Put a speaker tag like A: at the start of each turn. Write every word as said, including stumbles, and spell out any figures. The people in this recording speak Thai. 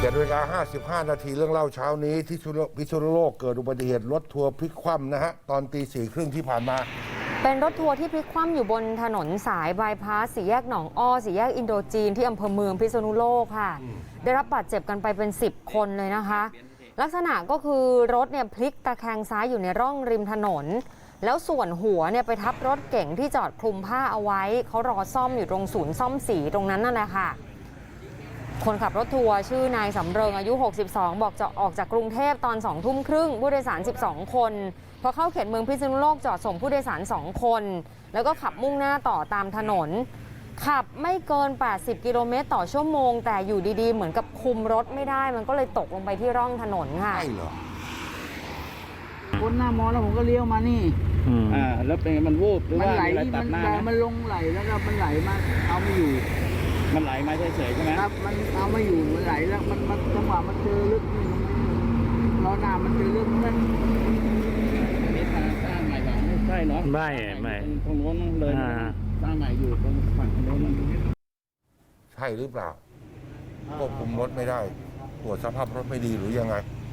A: เจ็ดนาฬิกาห้าสิบห้านาทีเรื่องเล่าเช้านี้ที่พิษณุโลกเกิดอุบัติเหตุรถทัวร์พลิกคว่ำนะฮะตอนตีสี่ครึ่งที่ผ่านมา
B: เป็นรถทัวร์ที่พลิกคว่ำอยู่บนถนนสายบายพาสสี่แยกหนองอ้อสี่แยกอินโดจีนที่อำเภอเมืองพิษณุโลกค่ะได้รับบาดเจ็บกันไปเป็นสิบคนเลยนะคะลักษณะก็คือรถเนี่ยพลิกตะแคงซ้ายอยู่ในร่องริมถนนแล้วส่วนหัวเนี่ยไปทับรถเก๋งที่จอดคลุมผ้าเอาไว้เขารอซ่อมอยู่ตรงศูนย์ซ่อมสีตรงนั้นนั่นแหละค่ะคนขับรถทัวร์ชื่อนายสำเริงอายุหกสิบสองบอกจะออกจากกรุงเทพตอนสองทุ่มครึ่งผู้โดยสารสิบสองคนพอเข้าเขตเมืองพิษณุโลกจอดส่งผู้โดยสารสองคนแล้วก็ขับมุ่งหน้าต่อตามถนนขับไม่เกินแปดสิบกิโลเมตรต่อชั่วโมงแต่อยู่ดีๆเหมือนกับคุมรถไม่ได้มันก็เลยตกลงไปที่ร่องถนนค่ะ
A: ใช่เหรอ
C: พ้นหน้ามอแล้วผมก็เลี้ยวมานี่
D: อ่าแล้วเป็นมันวูบหรือว่าอะไรตัดหน้าไหม
C: มันลงไหลแล้วก็มันไหลมาเอาไม่อยู่
D: มันไหลมาเฉยๆใช่ไหม
C: ครับมันเอาไม่อยู่มันไหลแล้วมันมันจังหวะมันเจอลึกนี่ล้อหน้ามันเจอลึกมัน
D: นี่ทางสร้างใหม่หรอไม่ใช่เนาะ
E: ไม่ไม่
D: ตรงโน้นเลยสร้างใหม่อยู่ตรงฝั่งโน้น
A: ใช่หรือเปล่าควบคุมรถไม่ได้ตรวจสภาพรถไม่ดีหรือยังไง